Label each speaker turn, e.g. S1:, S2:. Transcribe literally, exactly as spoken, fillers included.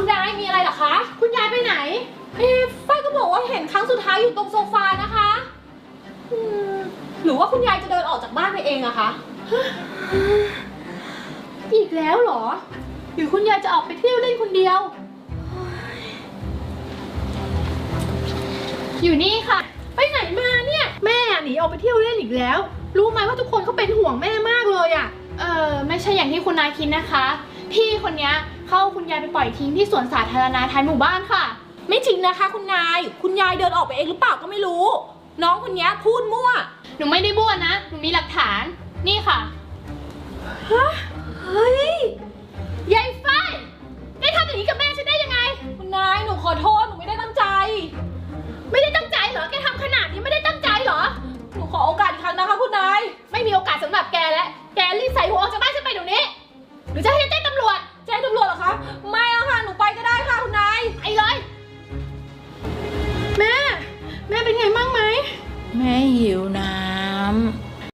S1: คุณยายมีอะไรเหรอคะคุณยายไปไหนเอ๊ะฝ้ายก็บอกว่าเห็นครั้งสุดท้ายอยู่ตรงโซฟานะคะอืมหรือว่าคุณยายจะเดินออกจากบ้านไปเองอะคะอีกแล้วเหรอหรือคุณยายจะออกไปเที่ยวเล่นคนเดียวอยู่นี่ค่ะไปไหนมาเนี่ยแม่หนีออกไปเที่ยวเล่นอีกแล้วรู้ไหมว่าทุกคนเขาเป็นห่วงแม่มากเลยอะเออไม่ใช่อย่างที่คุณนายคิดนะคะพี่คนนี้เข้าคุณยายไปปล่อยทิ้งที่สวนสาธารณะท้ายหมู่บ้านค่ะไม่จริงนะคะคุณนายคุณยายเดินออกไปเองหรือเปล่าก็ไม่รู้น้องคนนี้พูดมั่วหนูไม่ได้บ้วนนะหนูมีหลักฐานนี่ค่ะฮะเฮ้ยยายฟ้า